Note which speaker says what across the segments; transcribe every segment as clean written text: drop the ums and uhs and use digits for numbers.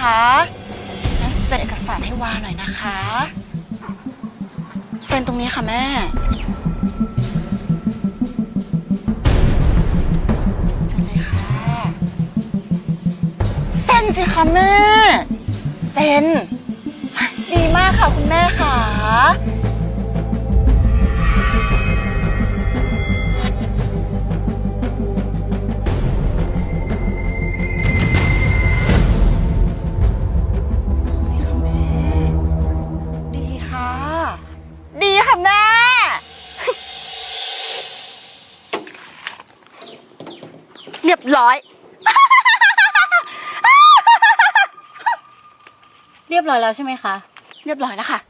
Speaker 1: คะงั้นเซ็นเอกสารให้วาหน่อยนะคะเซ็นตรงนี้ค่ะแม่เซ็นเลยค่ะเซ็นสิคะแม่เซ็นดีมากค่ะคุณแม่ค่ะดีค่ะแม่เรียบร้อย
Speaker 2: เรียบร้อยแล้วใช่ไหมคะ
Speaker 1: เรียบร้อยแล้วค่ะ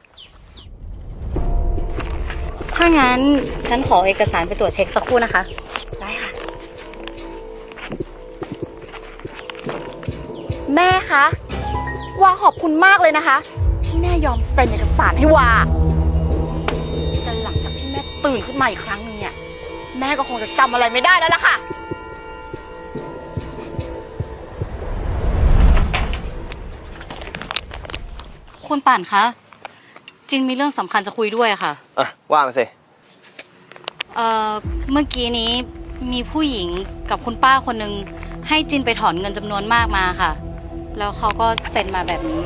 Speaker 2: ถ้างั้นฉันขอเอกสารไปตรวจเช็คสักครู่นะคะ
Speaker 1: ได้ค่ะแม่คะวาขอบคุณมากเลยนะคะที่แม่ยอมเซ็นเอกสารให้วาแต่หลังจากที่แม่ตื่นขึ้นมาอีกครั้งนึงเนี่ยแม่ก็คงจะจำอะไรไม่ได้แล้วล่ะค่ะ
Speaker 2: คุณป่านคะจินมีเรื่องสำคัญจะคุยด้วยค่ะ
Speaker 3: อ่ะว่ามาสิ
Speaker 2: เมื่อกี้นี้มีผู้หญิงกับคุณป้าคนหนึ่งให้จินไปถอนเงินจำนวนมากมาค่ะ แล้วเขาก็เซ็นมาแบบนี้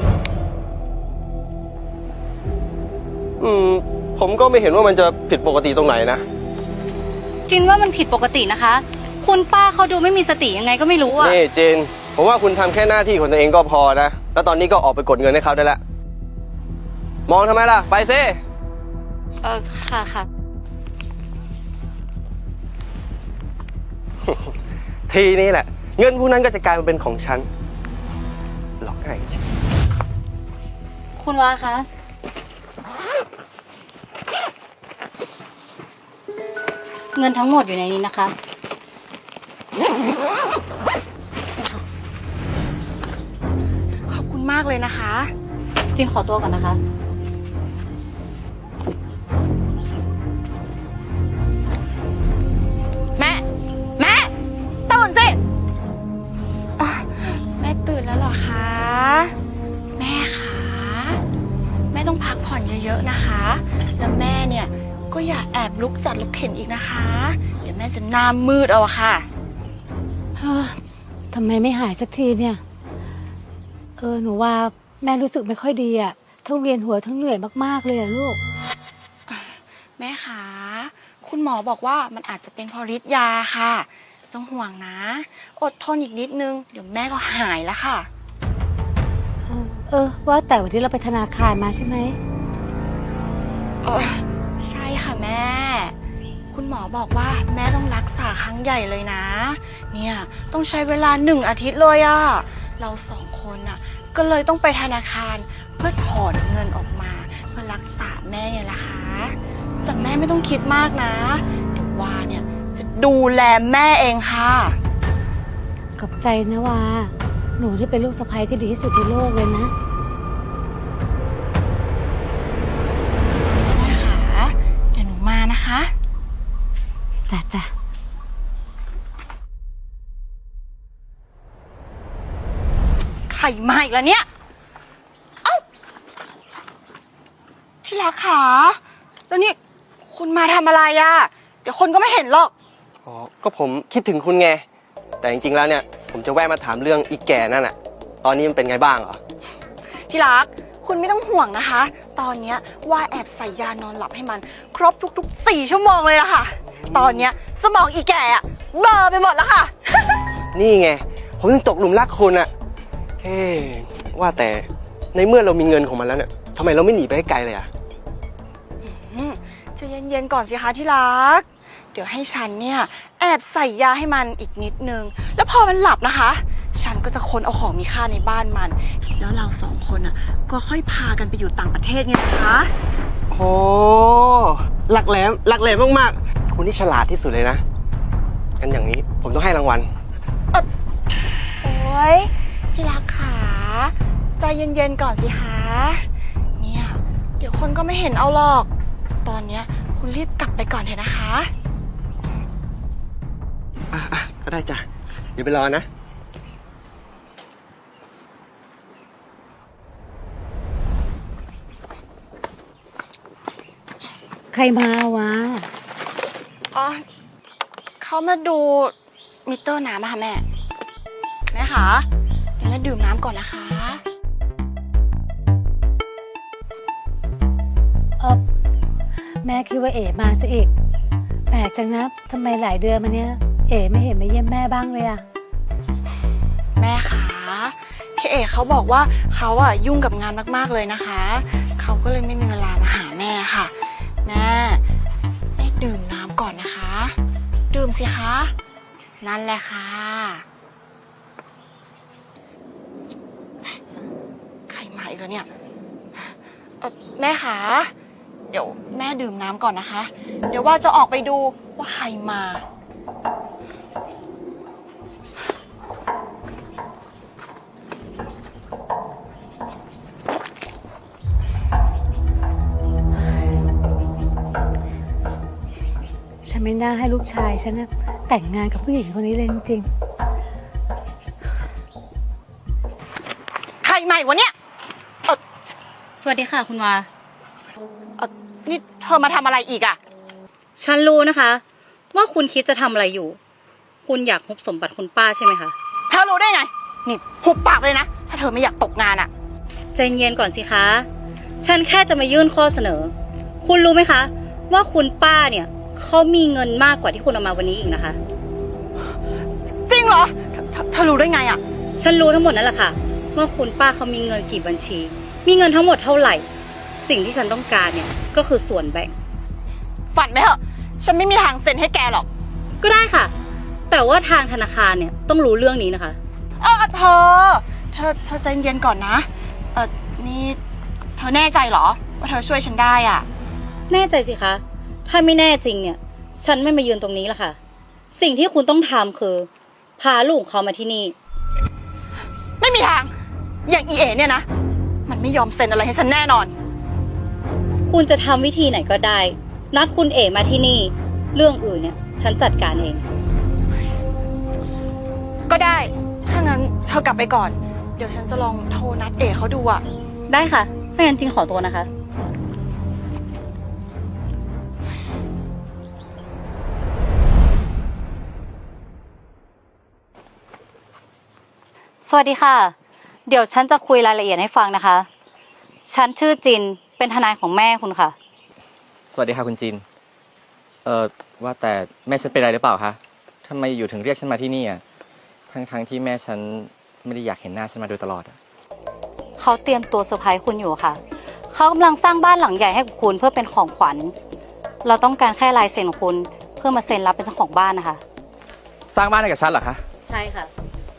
Speaker 3: ผมก็ไม่เห็นว่ามันจะผิดปกติตรงไหนนะ
Speaker 2: จินว่ามันผิดปกตินะคะ คุณป้าเขาดูไม่มีสติยังไงก็ไม่รู้อะ
Speaker 3: นี่เจนผมว่าคุณทำแค่หน้าที่ของตัวเองก็พอนะ แล้วตอนนี้ก็ออกไปกดเงินให้เขาได้แล้ว มองทำไมล่ะ ไปซิ
Speaker 2: ค่ะ
Speaker 3: ทีนี้แหละ เงินพวกนั้นก็จะกลายมาเป็นของฉัน หลอกง่ายจริง
Speaker 2: คุณวาคะเงินทั้งหมดอยู่ในนี้นะคะ
Speaker 1: ขอบคุณมากเลยนะคะ
Speaker 2: จินขอตัวก่อนนะคะ
Speaker 1: แม่ตื่นสิแม่ตื่นแล้วเหรอคะแม่คะแม่ต้องพักผ่อนเยอะๆนะคะแล้วแม่เนี่ยก็อย่าแอบลุกจัดลุกเข็นอีกนะคะเดี๋ยวแม่จะหน้ามืดเอาอะค่ะ
Speaker 4: ทำไมไม่หายสักทีเนี่ยหนูว่าแม่รู้สึกไม่ค่อยดีอะทั้งเวียนหัวทั้งเหนื่อยมากๆเลยอะลูก
Speaker 1: แม่คะคุณหมอบอกว่ามันอาจจะเป็นเพราะฤทธิ์ยาค่ะต้องห่วงนะอดทนอีกนิดนึงเดี๋ยวแม่ก็หายแล้วค่ะ
Speaker 4: ว่าแต่วันนี้เราไปธนาคารมาใช่ไหม
Speaker 1: ใช่ค่ะแม่คุณหมอบอกว่าแม่ต้องรักษาครั้งใหญ่เลยนะเนี่ยต้องใช้เวลา1 อาทิตย์เลยอะเรา2 คนอะก็เลยต้องไปธนาคารเพื่อถอนเงินออกมาเพื่อรักษาแม่ไงล่ะคะแต่แม่ไม่ต้องคิดมากนะเดี๋ยววาเนี่ยจะดูแลแม่เองค่ะ
Speaker 4: ขอบใจนะวาหนูที่เป็นลูกสะใภ้ที่ดีที่สุดในโลกเลยนะ
Speaker 1: แม่คะเดี๋ยวหนูมานะคะ
Speaker 4: จ้ะ
Speaker 1: ไข่มาอีกแล้วเนี่ยเอ้าที่รักขาแล้วนี่คุณมาทำอะไรอะเดี๋ยวคนก็ไม่เห็นหรอก
Speaker 3: อ๋อ ก็ผมคิดถึงคุณไง แต่จริงๆแล้วเนี่ย ผมจะแวะมาถามเรื่องอีแก่นั่นน่ะ ตอนนี้มันเป็นไงบ้างเหรอ
Speaker 1: ที่รักคุณไม่ต้องห่วงนะคะ ตอนเนี้ยว่าแอบใส่ยานอนหลับให้มันครบทุกๆ4 ชั่วโมงเลยอะค่ะตอนเนี้ยสมองอีแก่อะเบลอไปหมดแล้วค่ะ
Speaker 3: นี่ไง ผมถึงตกหลุมรักคุณอะเฮ้ว่าแต่ในเมื่อเรามีเงินของมันแล้วเนี่ยทำไมเราไม่หนีไปให้ไกลเลยอะ
Speaker 1: จะเย็นๆก่อนสิคะที่รักเดี๋ยวให้ฉันเนี่ยแอบใส่ยาให้มันอีกนิดนึงแล้วพอมันหลับนะคะฉันก็จะค้นเอาของมีค่าในบ้านมันแล้วเรา2 คนอ่ะก็ค่อยพากันไปอยู่ต่างประเทศไงนะคะ
Speaker 3: โอ้หลักแหลมมากๆคุณนี่ฉลาดที่สุดเลยนะงั้นอย่างนี้ผมต้องให้รางวัล
Speaker 1: โอ๊ยที่รักขาใจเย็นๆก่อนสิคะเนี่ยเดี๋ยวคนก็ไม่เห็นเอาหรอกตอนเนี้ยคุณรีบกลับไปก่อนเถอะนะคะ
Speaker 3: ก็ได้จ้ะเดี๋ยวไปรอนะ
Speaker 4: รมาวะ
Speaker 1: อ๋อเขามาดูมิเตอร์น้ำอะค่ะแม่ แม่คะเดี๋ยวแม่ดื่มน้ำก่อนนะคะ
Speaker 4: แม่คิดว่าเอ๋มาซะอีก แปลกจังนะทำไมหลายเดือนมาเนี้ยเอ๋ไม่เห็นมาเยี่ยมแม่บ้างเลยอะ
Speaker 1: แม่คะพี่เอกเขาบอกว่าเขาอะยุ่งกับงานมากๆเลยนะคะ เขาก็เลยไม่มีเวลามาหาแม่ค่ะ แม่ดื่มน้ำก่อนนะคะ ดื่มสิคะ นั่นแหละค่ะ ใครมาอีกแล้วเนี่ยแม่คะเดี๋ยวแม่ดื่มน้ำก่อนนะคะ เดี๋ยวว่าจะออกไปดูว่าใครมา
Speaker 4: ฉันไม่น่าให้ลูกชายฉันนะแต่งงานกับผู้หญิงคนนี้เลยจริง
Speaker 1: ใครมาอีกวะเนี่ย
Speaker 2: สวัสดีค่ะคุณวา
Speaker 1: นี่เธอมาทำอะไรอีกอะ
Speaker 2: ฉันรู้นะคะ ว่าคุณคิดจะทำอะไรอยู่ คุณอยากฮุบสมบัติคุณป้าใช่ไหมคะ
Speaker 1: เธอรู้ได้ไง นี่หุบปากเลยนะ ถ้าเธอไม่อยากตกงานอะ
Speaker 2: ใจเย็นก่อนสิคะ ฉันแค่จะมายื่นข้อเสนอ คุณรู้ไหมคะ ว่าคุณป้าเนี่ยเขามีเงินมากกว่าที่คุณเอามาวันนี้อีกนะคะ
Speaker 1: จริงเหรอเธอรู้ได้ไงอะ
Speaker 2: ฉันรู้ทั้งหมดนั่นแหละค่ะว่าคุณป้าเขามีเงินกี่บัญชี มีเงินทั้งหมดเท่าไหร่ สิ่งที่ฉันต้องการเนี่ยก็คือส่วนแบ่ง
Speaker 1: ฝันไหมเหอะ ฉันไม่มีทางเซ็นให้แกหรอก
Speaker 2: ก็ได้ค่ะ แต่ว่าทางธนาคารเนี่ยต้องรู้เรื่องนี้นะคะ
Speaker 1: เธอใจเย็นก่อนนะ นี่เธอแน่ใจเหรอ ว่าเธอช่วยฉันได้อะ
Speaker 2: แน่ใจสิคะ ถ้าไม่แน่จริงเนี่ย ฉันไม่มายืนตรงนี้ละค่ะ สิ่งที่คุณต้องทำคือ พาลูกเขามาที่นี่
Speaker 1: ไม่มีทาง อย่างอีเอเนี่ยนะ มันไม่ยอมเซ็นอะไรให้ฉันแน่นอน
Speaker 2: คุณจะทำวิธีไหนก็ได้ นัดคุณเอ๋มาที่นี่ เรื่องอื่นเนี่ย ฉันจัดการเอง
Speaker 1: ก็ได้ ถ้างั้นเธอกลับไปก่อน เดี๋ยวฉันจะลองโทรนัดเอเขาดูอะ
Speaker 2: ได้ค่ะ ถ้างั้นจริงขอตัวนะคะ สวัสดีค่ะ เดี๋ยวฉันจะคุยรายละเอียดให้ฟังนะคะ ฉันชื่อจิน เป็นทนายของแม่คุณค่ะ
Speaker 5: สวัสดีค่ะคุณจิน ว่าแต่แม่ฉันเป็นอะไรหรือเปล่าคะทำไมอยู่ถึงเรียกฉันมาที่นี่อ่ะ ทั้งที่แม่ฉันไม่ได้อยากเห็นหน้าฉันมาโดยตลอดอ่ะ
Speaker 2: เขาเตรียมตัวเซอร์ไพรส์คุณอยู่ค่ะ เขากำลังสร้างบ้านหลังใหญ่ให้กับคุณเพื่อเป็นของขวัญ เราต้องการแค่ลายเซ็นของคุณเพื่อมาเซ็นรับเป็นเจ้าของบ้านนะคะ
Speaker 5: สร้างบ้านให้กับฉันเหรอคะ
Speaker 2: ใช่ค่ะ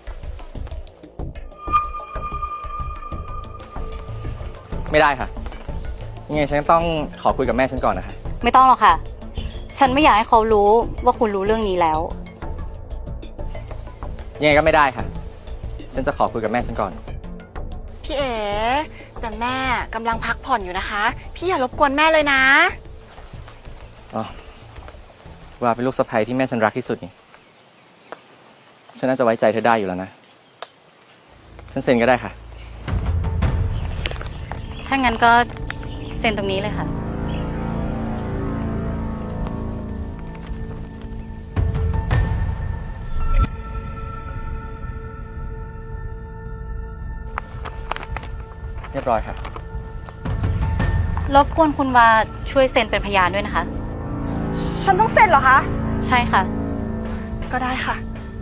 Speaker 5: ไม่ได้ค่ะยังไงฉันต้องขอคุยกับแม่ฉันก่อนนะคะ
Speaker 2: ไม่ต้องหรอกค่ะ ฉันไม่อยากให้เขารู้ว่าคุณรู้เรื่องนี้แล้ว
Speaker 5: ยังไงก็ไม่ได้ค่ะ ฉันจะขอคุยกับแม่ฉันก่อน
Speaker 1: พี่เอ๋แต่แม่กำลังพักผ่อนอยู่นะคะ พี่อย่ารบกวนแม่เลยนะ
Speaker 5: อ๋อ ว่าเป็นลูกสะใภ้ที่แม่ฉันรักที่สุดนี่ ฉันน่าจะไว้ใจเธอได้อยู่แล้วนะ ฉันเซ็นก็ได้ค่ะ
Speaker 2: ถ้างั้นก็เซ็นตรงนี้เลยค่ะ
Speaker 5: เรียบร้อยค่ะ
Speaker 2: รบกวนคุณวาช่วยเซ็นเป็นพยานด้วยนะคะ
Speaker 1: ฉันต้องเซ็นเหรอคะ
Speaker 2: ใช่ค่ะ
Speaker 1: ก็ได้ค่ะ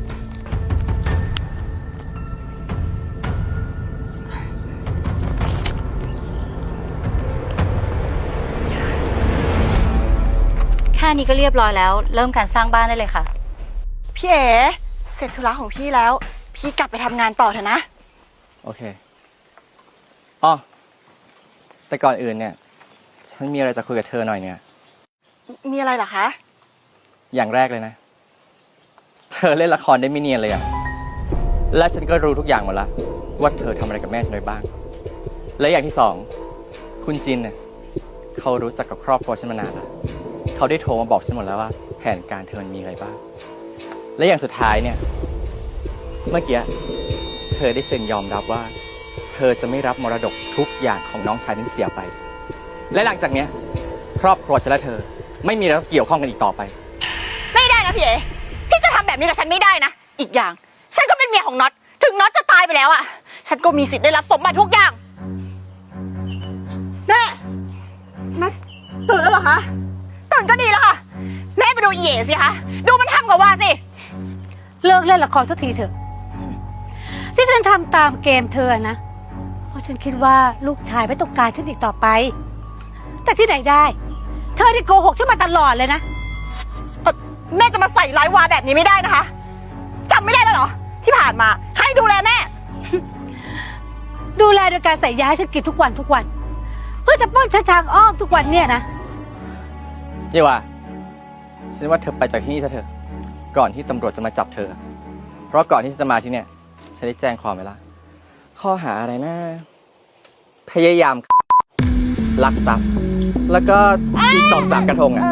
Speaker 2: แค่นี้ก็เรียบร้อยแล้ว เริ่มการสร้างบ้านได้เลยค่ะ
Speaker 1: พี่เอ๋เสร็จธุระของพี่แล้ว พี่กลับไปทำงานต่อเถอะนะ
Speaker 5: โอเค อ๋อ แต่ก่อนอื่นเนี่ย ฉันมีอะไรจะคุยกับเธอหน่อยเนี่ย
Speaker 1: มีอะไรเหรอคะ
Speaker 5: อย่างแรกเลยนะ เธอเล่นละครได้ไม่เนียนเลยอะและฉันก็รู้ทุกอย่างหมดละว่าเธอทำอะไรกับแม่ฉันไว้บ้าง และอย่างที่สอง คุณจินเนี่ยเขารู้จักกับครอบครัวฉันมานานแล้วเขาได้โทรมาบอกฉันหมดแล้วว่าแผนการเธอมันมีอะไรบ้าง และอย่างสุดท้ายเนี่ย เมื่อกี้เธอได้เซ็นยอมรับว่า เธอจะไม่รับมรดกทุกอย่างของน้องชายที่เสียไป และหลังจากเนี้ยครอบครัวฉันและเธอ ไม่มีอะไรต้องเกี่ยวข้องกันอีกต่อไป
Speaker 1: ไม่ได้นะพี่เอพี่จะทำแบบนี้กับฉันไม่ได้นะ อีกอย่าง ฉันก็เป็นเมียของน็อต ถึงน็อตจะตายไปแล้วอะฉันก็มีสิทธิ์ได้รับสมบัติทุกอย่าง แม่ตื่นแล้วเหรอคะ ตื่นก็ดีแล้วค่ะ แม่ไปดูอีเอ๋สิคะ ดูมันทำกับว่าสิ
Speaker 4: เลิกเล่นละครสักทีเถอะ ที่ฉันทำตามเกมเธอนะ เพราะฉันคิดว่าลูกชายไม่ต้องการฉันอีกต่อไป แต่ที่ไหนได้ เธอที่โกหกฉันมาตลอดเลยนะ
Speaker 1: แม่จะมาใส่ร้ายวาแบบนี้ไม่ได้นะคะจำไม่ได้แล้วเหรอ ที่ผ่านมาใครดูแลแม่
Speaker 4: ดูแลโดยการใส่ยาให้ฉันกินทุกวัน เพื่อจะป้อนฉันทางอ้อมทุกวันเนี่ยนะ
Speaker 5: เยว่าฉันว่าเธอไปจากที่นี่ซะเถอะ ก่อนที่ตำรวจจะมาจับเธอ เพราะก่อนที่ฉันจะมาที่เนี่ย ฉันได้แจ้งความไว้ละข้อหาอะไรนะ พยายามลักทรัพย์แล้วก็อีก2-3 กระทงอ่ะ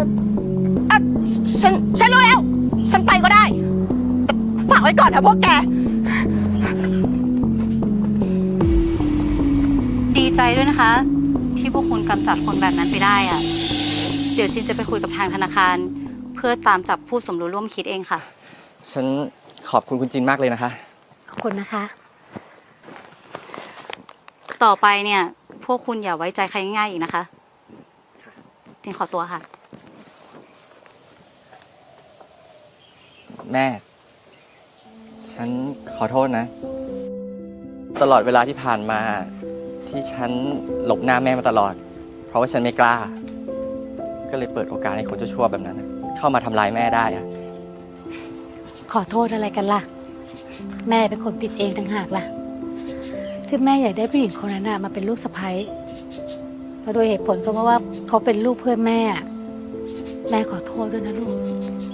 Speaker 1: ฉันรู้แล้ว ฉันไปก็ได้แต่ฝากไว้ก่อนนะพวกแก
Speaker 2: ดีใจด้วยนะคะ ที่พวกคุณกำจัดคนแบบนั้นไปได้อะเดี๋ยวจินจะไปคุยกับทางธนาคาร เพื่อตามจับผู้สมรู้ร่วมคิดเองค่ะ
Speaker 5: ฉันขอบคุณคุณจินมากเลยนะคะ
Speaker 4: ขอบคุณนะคะ
Speaker 2: ต่อไปเนี่ย พวกคุณอย่าไว้ใจใครง่ายๆอีกนะคะ จินขอตัวค่ะ
Speaker 5: แม่ ฉันขอโทษนะ ตลอดเวลาที่ผ่านมาที่ฉันหลบหน้าแม่มาตลอด เพราะว่าฉันไม่กล้า ก็เลยเปิดโอกาสให้คนชั่วๆแบบนั้นน่ะเข้ามาทำร้ายแม่ได้อะ
Speaker 4: ขอโทษอะไรกันล่ะ แม่เป็นคนผิดเองต่างหากล่ะที่แม่อยากได้ผู้หญิงคนนั้นมาเป็นลูกสะใภ้เพราะโดยเหตุผลก็เพราะว่าเขาเป็นลูกเพื่อนแม่ แม่ขอโทษด้วยนะลูก